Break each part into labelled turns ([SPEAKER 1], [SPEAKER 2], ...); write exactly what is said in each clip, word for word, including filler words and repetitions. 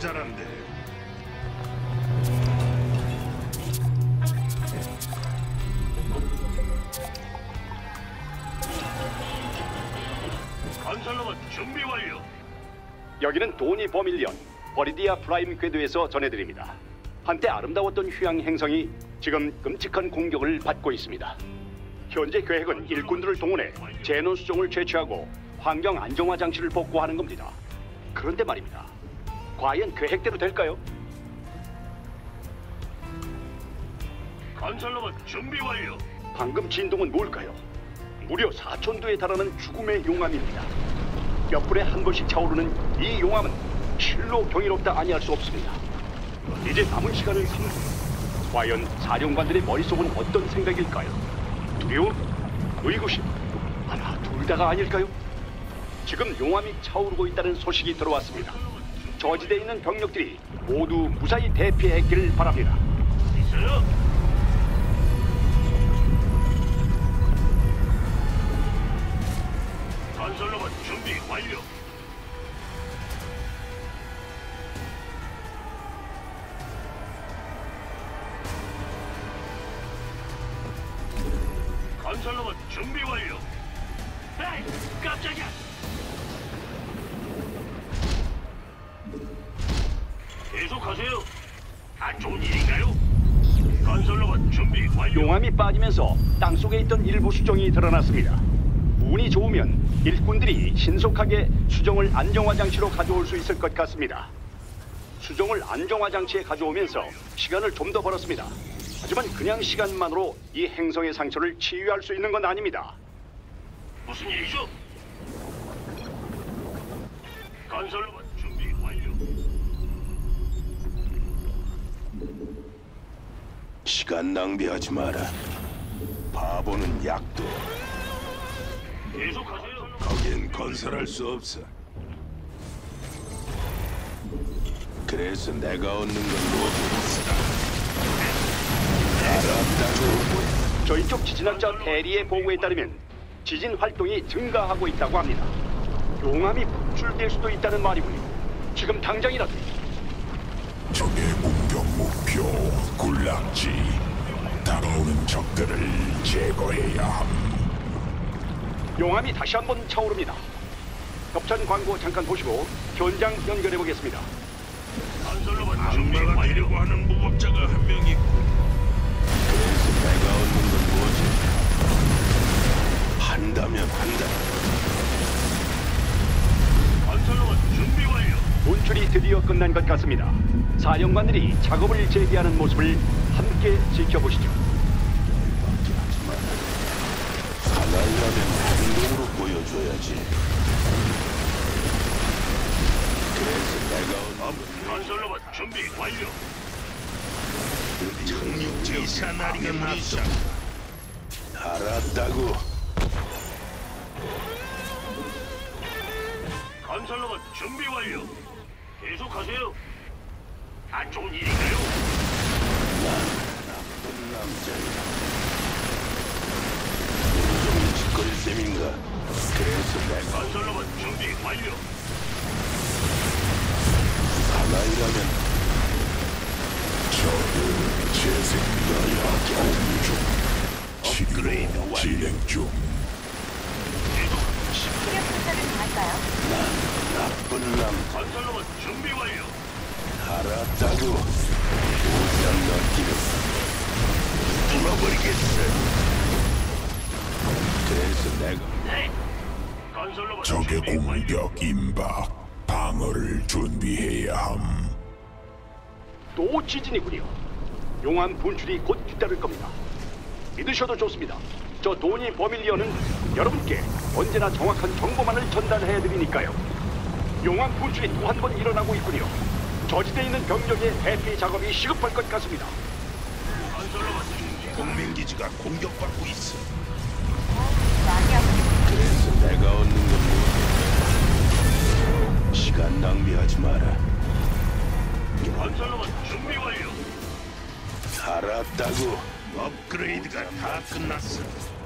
[SPEAKER 1] 모자란데.
[SPEAKER 2] 건설로봇 준비 완료.
[SPEAKER 3] 여기는 도니 버밀리언 버리디아 프라임 궤도에서 전해드립니다. 한때 아름다웠던 휴양 행성이 지금 끔찍한 공격을 받고 있습니다. 현재 계획은 일꾼들을 동원해 제논 수종을 채취하고 환경 안정화 장치를 복구하는 겁니다. 그런데 말입니다. 과연 계획대로 될까요?
[SPEAKER 2] 건설로봇 준비 완료.
[SPEAKER 3] 방금 진동은 뭘까요? 무려 사천도에 달하는 죽음의 용암입니다. 몇 분에 한 번씩 차오르는 이 용암은 실로 경이롭다 아니할 수 없습니다. 이제 남은 시간은 삼 분. 과연 사령관들의 머릿속은 어떤 생각일까요? 두려움? 의구심? 하나 둘 다가 아닐까요? 지금 용암이 차오르고 있다는 소식이 들어왔습니다. 저지대에 있는 병력들이 모두 무사히 대피했기를 바랍니다.
[SPEAKER 2] 있어요? 건설로봇 준비 완료. 건설로봇 준비 완료. 에이, 깜짝이야. 계속하세요. 안 좋은 일인가요? 건설로봇 준비 완료.
[SPEAKER 3] 용암이 빠지면서 땅속에 있던 일부 수정이 드러났습니다. 운이 좋으면 일꾼들이 신속하게 수정을 안정화 장치로 가져올 수 있을 것 같습니다. 수정을 안정화 장치에 가져오면서 시간을 좀 더 벌었습니다. 하지만 그냥 시간만으로 이 행성의 상처를 치유할 수 있는 건 아닙니다.
[SPEAKER 2] 무슨 일이죠? 건설로봇 준비 완료.
[SPEAKER 1] 시간 낭비하지 마라. 바보는 약도.
[SPEAKER 2] 계속하세요.
[SPEAKER 1] 거긴 건설할 수 없어. 그래서 내가 얻는 건 뭐지? 알았다고.
[SPEAKER 3] 저희 쪽 지진학자 대리의 보고에 따르면 지진 활동이 증가하고 있다고 합니다. 용암이 분출될 수도 있다는 말이군요. 지금 당장이라도.
[SPEAKER 4] 적의 공격 목표 군락지. 다가오는 적들을 제거해야 함.
[SPEAKER 3] 용암이 다시 한번 차오릅니다. 협찬 광고 잠깐 보시고 현장 연결해 보겠습니다.
[SPEAKER 2] 건설로봇 준비
[SPEAKER 1] 악마가
[SPEAKER 2] 완료.
[SPEAKER 1] 되려고 하는 무법자가 한 명 있고. 그래서 내가 얻는 건 뭐지? 한다면 한다.
[SPEAKER 2] 건설로봇 준비 완료.
[SPEAKER 3] 분출이 드디어 끝난 것 같습니다. 사령관들이 작업을 재개하는 모습을 함께 지켜보시죠.
[SPEAKER 1] 살아가면 행동으로 보여줘야지. 그래서 내가 얻는
[SPEAKER 2] 건설로봇 준비 완료.
[SPEAKER 1] 청육지 사나리가 나서 알았다고.
[SPEAKER 2] 건설로봇 준비 완료. 계속하세요. 안 좋은 일인가요?
[SPEAKER 1] 나쁜 남자야. 온종일 짓거릴 셈인가? 그래서 내가
[SPEAKER 2] 건설로봇 준비 완료.
[SPEAKER 1] 사나이라면
[SPEAKER 4] 적을 재생하여 경중.
[SPEAKER 1] 업그레이드
[SPEAKER 4] 치료
[SPEAKER 1] 완료.
[SPEAKER 4] 진행 중.
[SPEAKER 5] 체력 분석을 좀 할까요?
[SPEAKER 1] 나쁜 남.
[SPEAKER 2] 건설로봇 준비 완료.
[SPEAKER 1] 알았다고. 오장 넘기는 뚫어버리겠어. 그래서 내가
[SPEAKER 2] 네. 건설로봇
[SPEAKER 4] 적의
[SPEAKER 2] 준비 완료.
[SPEAKER 4] 공격 임박. 방어를 준비해야 함.
[SPEAKER 3] 또 지진이군요. 용암 분출이 곧 뒤따를 겁니다. 믿으셔도 좋습니다. 저 도니 버밀리언은 여러분께 언제나 정확한 정보만을 전달해드리니까요. 용암 분출이 또 한 번 일어나고 있군요. 저지대에 있는 병력의 대피 작업이 시급할 것 같습니다.
[SPEAKER 2] 건설로봇 준비.
[SPEAKER 1] 동맹 기지가 공격받고 있어.
[SPEAKER 5] 많이 아프겠
[SPEAKER 1] 그래서 내가 얻는 건 뭐? 시간 낭비하지 마라.
[SPEAKER 2] 건설로봇 준비 완료.
[SPEAKER 1] 알았다고. 업그레이드가 다 끝났어.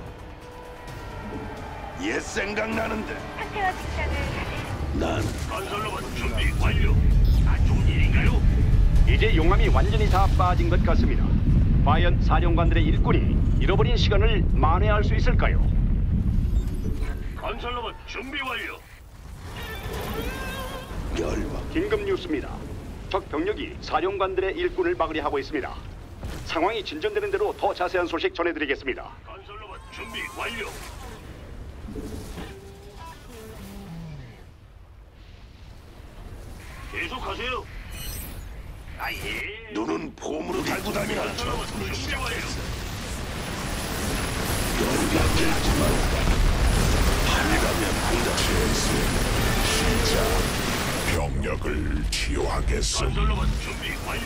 [SPEAKER 1] 옛 생각나는데.
[SPEAKER 5] 상태와 증상을 다들
[SPEAKER 1] 난
[SPEAKER 2] 건설로봇 준비 완료. 안 좋은 일인가요?
[SPEAKER 3] 이제 용암이 완전히 다 빠진 것 같습니다. 과연 사령관들의 일꾼이 잃어버린 시간을 만회할 수 있을까요?
[SPEAKER 2] 건설로봇 준비 완료.
[SPEAKER 3] 열받. 긴급 뉴스입니다. 적 병력이 사령관들의 일꾼을 막으려 하고 있습니다. 상황이 진전되는 대로 더 자세한 소식 전해드리겠습니다.
[SPEAKER 2] 건설로봇 준비 완료. 계속하세요. 아예.
[SPEAKER 6] 눈은 폼으로 달고 다니나
[SPEAKER 2] 건설로봇 준비 완료.
[SPEAKER 6] 열받겠지만 한다면 한다.
[SPEAKER 4] 시작. 병력을 치유하겠음.
[SPEAKER 2] 건설로봇 준비 완료.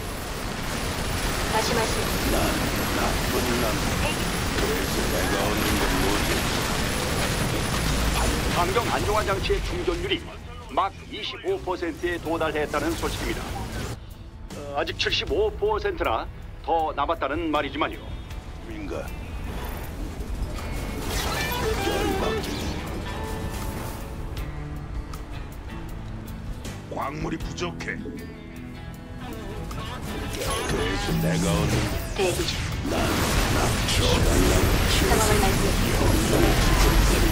[SPEAKER 5] 다시 말씀.
[SPEAKER 6] 나쁜 남. 그래서 내가 얻는 건 뭐지?
[SPEAKER 3] 환경 안정화 장치의 충전율이 막 이십오 퍼센트에 도달했다는 소식입니다. 어, 아직 칠십오 퍼센트나 더 남았다는 말이지만요.
[SPEAKER 6] 민가 열받.
[SPEAKER 1] 광물이 부족해.
[SPEAKER 6] 그래서 내가 얻는
[SPEAKER 5] 대기 중.
[SPEAKER 6] 시간
[SPEAKER 5] 상황을 말씀해.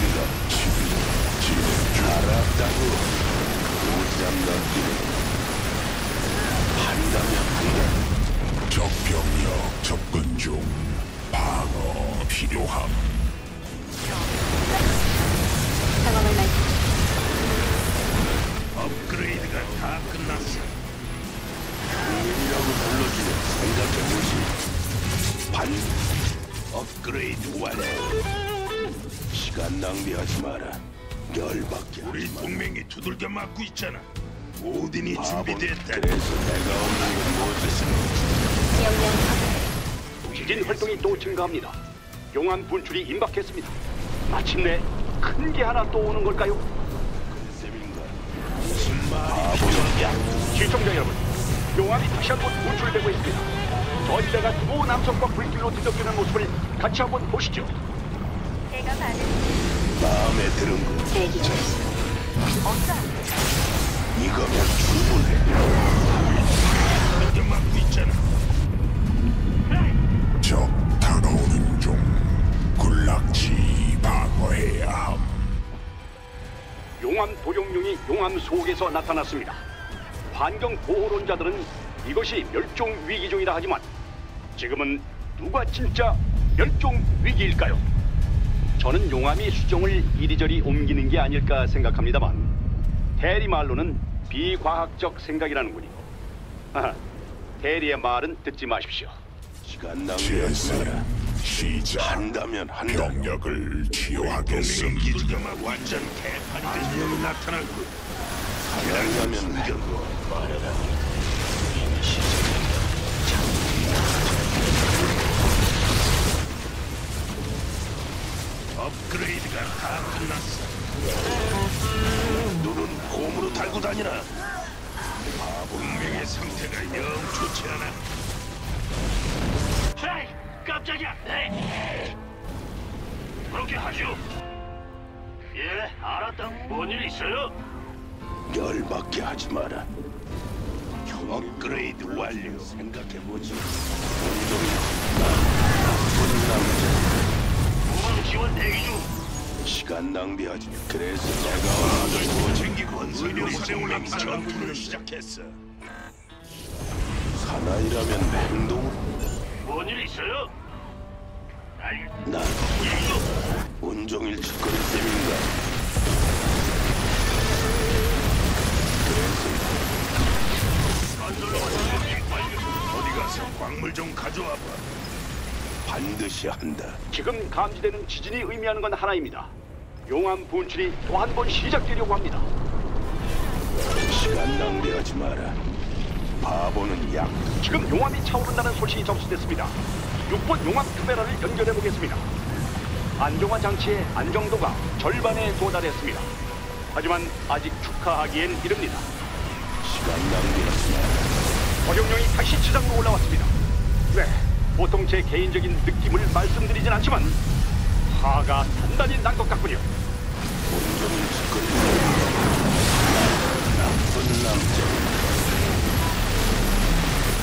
[SPEAKER 6] 알았다고. 오지랖 넘기는 한다면 한다.
[SPEAKER 4] 적병력 접근 중. 방어 필요함.
[SPEAKER 5] 상황을 말씀해.
[SPEAKER 1] 업그레이드가 다 끝났어.
[SPEAKER 6] 국민이라고 불러주면 생각해보시. 반 업그레이드 완료. 시간 낭비하지 마라. 열받게
[SPEAKER 1] 우리
[SPEAKER 6] 하지 마.
[SPEAKER 1] 동맹이 두들겨 맞고 있잖아. 오딘이 준비됐다.
[SPEAKER 6] 그래서 내가 얻는 건 뭐지?
[SPEAKER 5] 명령 확인.
[SPEAKER 3] 지진 활동이 또 증가합니다. 용암 분출이 임박했습니다. 마침내 큰 게 하나 또 오는 걸까요?
[SPEAKER 6] 셈인가? 무슨 말이 필요하냐?
[SPEAKER 3] 시청자 여러분, 용암이 다시 한번 분출되고 있습니다. 저희가 두 남성과 불길로 뒤덮이는 모습을 같이 한번 보시죠.
[SPEAKER 5] 제가 받은
[SPEAKER 6] 마음에 드는 거
[SPEAKER 5] 대기 중. 없어.
[SPEAKER 6] 이거면 충분해.
[SPEAKER 1] 두들겨 맞고 있잖아.
[SPEAKER 4] 적 다가오는 중. 군락지 방어해야 함.
[SPEAKER 3] 용암 도룡뇽이 용암 속에서 나타났습니다. 환경 보호론자들은 이것이 멸종 위기종이라 하지만 지금은 누가 진짜 멸종 위기일까요? 저는 용암이 수종을 이리저리 옮기는 게 아닐까 생각합니다만 대리 말로는 비과학적 생각이라는군요. 하하, 대리의 말은 듣지 마십시오.
[SPEAKER 6] 시간 낭비하지 마라.
[SPEAKER 4] 재생 시작.
[SPEAKER 6] 한다면 한다.
[SPEAKER 4] 병력을 치유하겠음.
[SPEAKER 1] 두들겨 맞고 완전 개판이 된 놈이 나타났고.
[SPEAKER 6] 한다면 한다.
[SPEAKER 1] 업그레이드가 다 끝났어.
[SPEAKER 6] 눈은 폼으로 달고 다니나?
[SPEAKER 1] 동맹의 상태가 영 좋지 않아.
[SPEAKER 2] 에이, 깜짝이야. 에이. 그렇게 하죠. 예, 알았다. 뭔 일 있어요?
[SPEAKER 6] 열받게 하지 마라. 업그레이드 완료. 생각해보지. 온종일 나쁜 남자.
[SPEAKER 2] 후방 지원 대기 중.
[SPEAKER 6] 시간 낭비하지. 그래서 내가 얻는 걸 뭐지?
[SPEAKER 1] 챙기고 의료 사령관이 전투를 시작했어.
[SPEAKER 6] 사나이라면 행동.
[SPEAKER 2] 뭔 일 있어요? 아이,
[SPEAKER 6] 난
[SPEAKER 2] 이거
[SPEAKER 6] 온종일 짓거릴 셈인가?
[SPEAKER 2] 건설로봇 준비 완료.
[SPEAKER 1] 어디 가서 광물 좀 가져와봐.
[SPEAKER 6] 반드시 한다.
[SPEAKER 3] 지금 감지되는 지진이 의미하는 건 하나입니다. 용암 분출이 또 한 번 시작되려고 합니다.
[SPEAKER 6] 시간 낭비하지 마라. 바보는 약.
[SPEAKER 3] 지금 용암이 차오른다는 소식이 접수됐습니다. 육 번 용암 카메라를 연결해 보겠습니다. 안정화 장치의 안정도가 절반에 도달했습니다. 하지만 아직 축하하기엔 이릅니다.
[SPEAKER 6] 시간 낭비하지 마라.
[SPEAKER 3] 도룡뇽이 다시 지상으로 올라왔습니다. 네, 보통 제 개인적인 느낌을 말씀드리진 않지만 화가 단단히 난 것 같군요.
[SPEAKER 6] 온종일 짓거릴 셈인가? 나쁜 남자.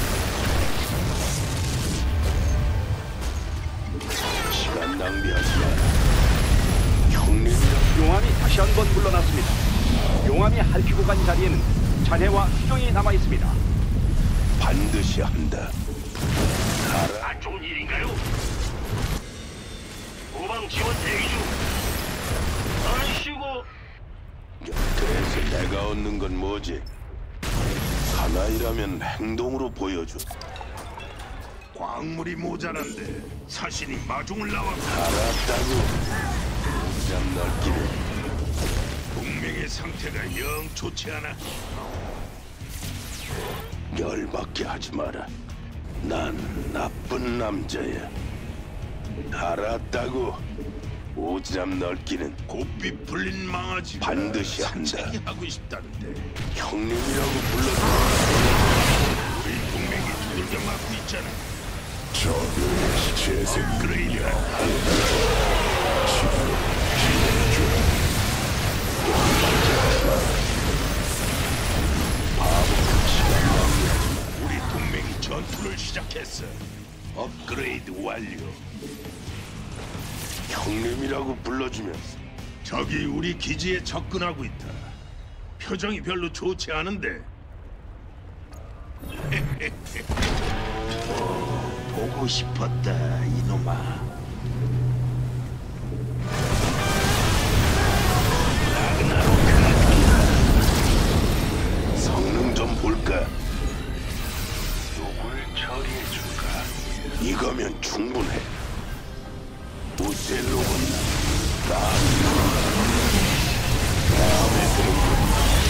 [SPEAKER 3] 용암이 핥히고 간 자리에는 잔해와 수정이 남아 있습니다.
[SPEAKER 6] 반드시 한다. 알아.
[SPEAKER 2] 안 좋은 일인가요? 후방 지원 대기 중. 아이씨고.
[SPEAKER 6] 그래서 내가 얻는 건 뭐지? 사나이라면 행동으로 보여줘.
[SPEAKER 1] 광물이 모자란데 사신이 마중을 나와
[SPEAKER 6] 알았다고. 오지랖 넓기를.
[SPEAKER 1] 동맹의 상태가 영 좋지 않아.
[SPEAKER 6] 열받게 하지 마라. 난 나쁜 남자야. 알았다고. 오지랖 넓기는
[SPEAKER 1] 곱비 풀린 망아지가
[SPEAKER 6] 반드시 한다.
[SPEAKER 1] 산책이 하고 싶다는데
[SPEAKER 6] 형님이라고 불러줘.
[SPEAKER 1] 우리 동맹이 두들겨 맞고 있잖아.
[SPEAKER 4] 적의 재생
[SPEAKER 1] 그레이드가 우리 동맹이 전투를 시작했어. 업그레이드 완료.
[SPEAKER 6] 형님이라고 불러주면서
[SPEAKER 1] 적이 우리 기지에 접근하고 있다. 표정이 별로 좋지 않은데. 보고 싶었다, 이놈아.
[SPEAKER 6] 성능 좀 볼까?
[SPEAKER 2] 누굴 처리해줄까?
[SPEAKER 6] 이거면 충분해. 오셀로군 나 마음에 드는군.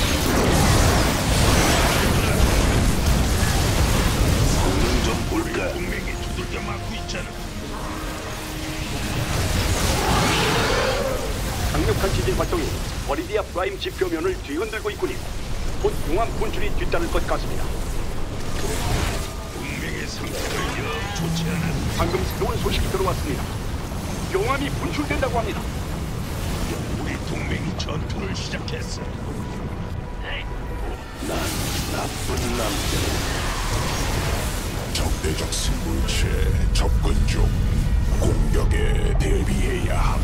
[SPEAKER 6] 성능 좀 볼까?
[SPEAKER 1] 동맹이 두들겨 맞고 있잖아.
[SPEAKER 3] 강력한 지진 활동이 버리디아 프라임 지표면을 뒤흔들고 있군요. 곧 용암 분출이 뒤따를 것 같습니다.
[SPEAKER 1] 동맹의 상태가 영 좋지 않아.
[SPEAKER 3] 방금 새로운 소식이 들어왔습니다. 용암이 분출된다고 합니다.
[SPEAKER 1] 우리 동맹이 전투를 시작했어.
[SPEAKER 6] 난 나쁜 남자.
[SPEAKER 4] 적대적 생물체 접근 중. 공격에 대비해야 함.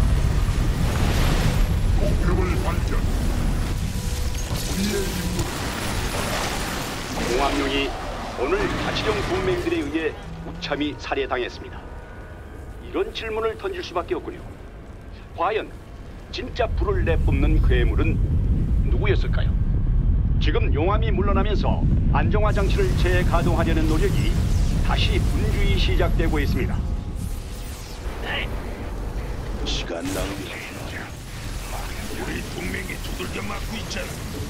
[SPEAKER 4] 목표를 발견.
[SPEAKER 3] 용암용이 오늘 가치령 동맹들에 의해 무참히 살해당했습니다. 이런 질문을 던질 수밖에 없군요. 과연 진짜 불을 내뿜는 괴물은 누구였을까요? 지금 용암이 물러나면서 안정화 장치를 재가동하려는 노력이 다시 분주히 시작되고 있습니다.
[SPEAKER 6] 시간 낭비.
[SPEAKER 1] 우리 동맹이 두들겨 맞고 있잖아.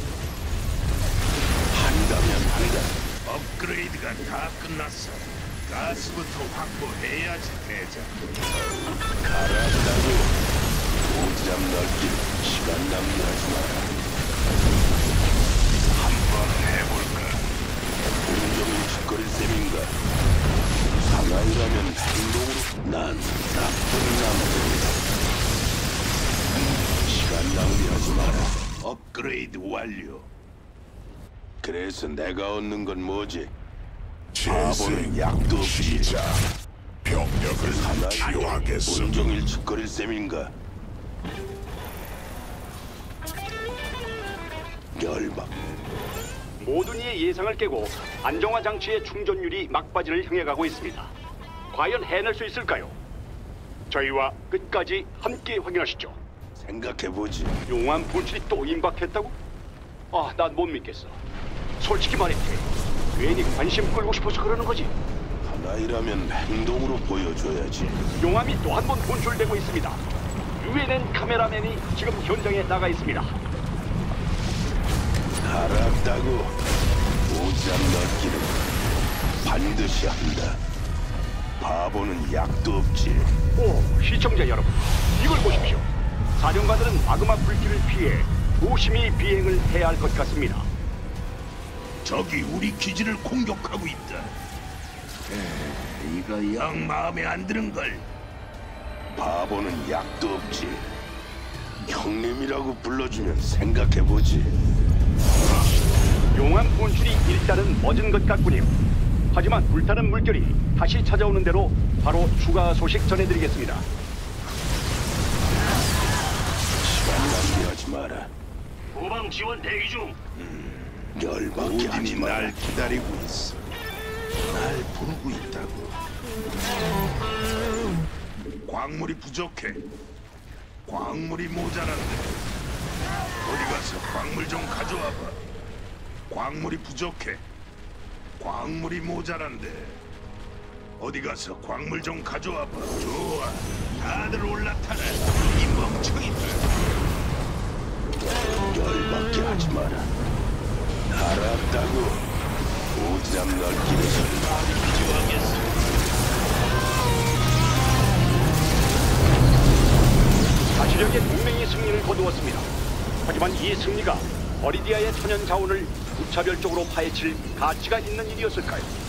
[SPEAKER 6] 한다면 한다.
[SPEAKER 1] 업그레이드가 다 끝났어. 가스부터 확보해야지, 대장.
[SPEAKER 6] 알았다고. 오지랖 넓기를 시간 낭비하지 마라.
[SPEAKER 1] 한번 해볼까?
[SPEAKER 6] 온종일 짓거릴 셈인가? 사나이라면 행동으로. 난 나쁜 남자이다. 시간 낭비하지 마라.
[SPEAKER 1] 업그레이드 완료.
[SPEAKER 6] 그래서 내가 얻는 건 뭐지?
[SPEAKER 4] 재생
[SPEAKER 6] 약도 없이.
[SPEAKER 4] 시작. 병력을
[SPEAKER 6] 사나이
[SPEAKER 4] 치유하겠음.
[SPEAKER 6] 온종일 짓거릴 셈인가? 열받.
[SPEAKER 3] 모든 이의 예상을 깨고 안정화 장치의 충전율이 막바지를 향해 가고 있습니다. 과연 해낼 수 있을까요? 저희와 끝까지 함께 확인하시죠.
[SPEAKER 6] 생각해보지.
[SPEAKER 3] 용암 분출이 또 임박했다고? 아, 난 못 믿겠어. 솔직히 말해, 괜히 관심 끌고 싶어서 그러는 거지.
[SPEAKER 6] 사나이라면 행동으로 보여줘야지.
[SPEAKER 3] 용암이 또 한 번 분출되고 있습니다. 유엔엔 카메라맨이 지금 현장에 나가 있습니다.
[SPEAKER 6] 알았다고. 오지랖 넓기는 반드시 한다. 바보는 약도 없지.
[SPEAKER 3] 오, 시청자 여러분, 이걸 보십시오. 사령관들은 마그마 불길을 피해 조심히 비행을 해야 할 것 같습니다.
[SPEAKER 1] 적이 우리 기지를 공격하고 있다. 에, 이거 영 마음에 안 드는 걸.
[SPEAKER 6] 바보는 약도 없지. 형님이라고 불러주면 생각해보지.
[SPEAKER 3] 용암 분출이 일단은 멎은 것 같군요. 하지만 불타는 물결이 다시 찾아오는 대로 바로 추가 소식 전해드리겠습니다.
[SPEAKER 6] 시간 낭비하지 마라.
[SPEAKER 2] 후방 지원 대기 중.
[SPEAKER 6] 열받게 하지
[SPEAKER 1] 오딘이
[SPEAKER 6] 마라.
[SPEAKER 1] 날 기다리고 있어. 날 부르고 있다고. 광물이 부족해. 광물이 모자란데. 어디 가서 광물 좀 가져와봐. 광물이 부족해. 광물이 모자란데. 어디 가서 광물 좀 가져와봐. 좋아. 다들 올라타라. 이 멍청이들.
[SPEAKER 6] 열받게 하지 마라. 알았다고. 오지랖 넓기에서
[SPEAKER 3] 자치령의 동맹이 승리를 거두었습니다. 하지만 이 승리가 버리디아의 천연 자원을 무차별적으로 파헤칠 가치가 있는 일이었을까요?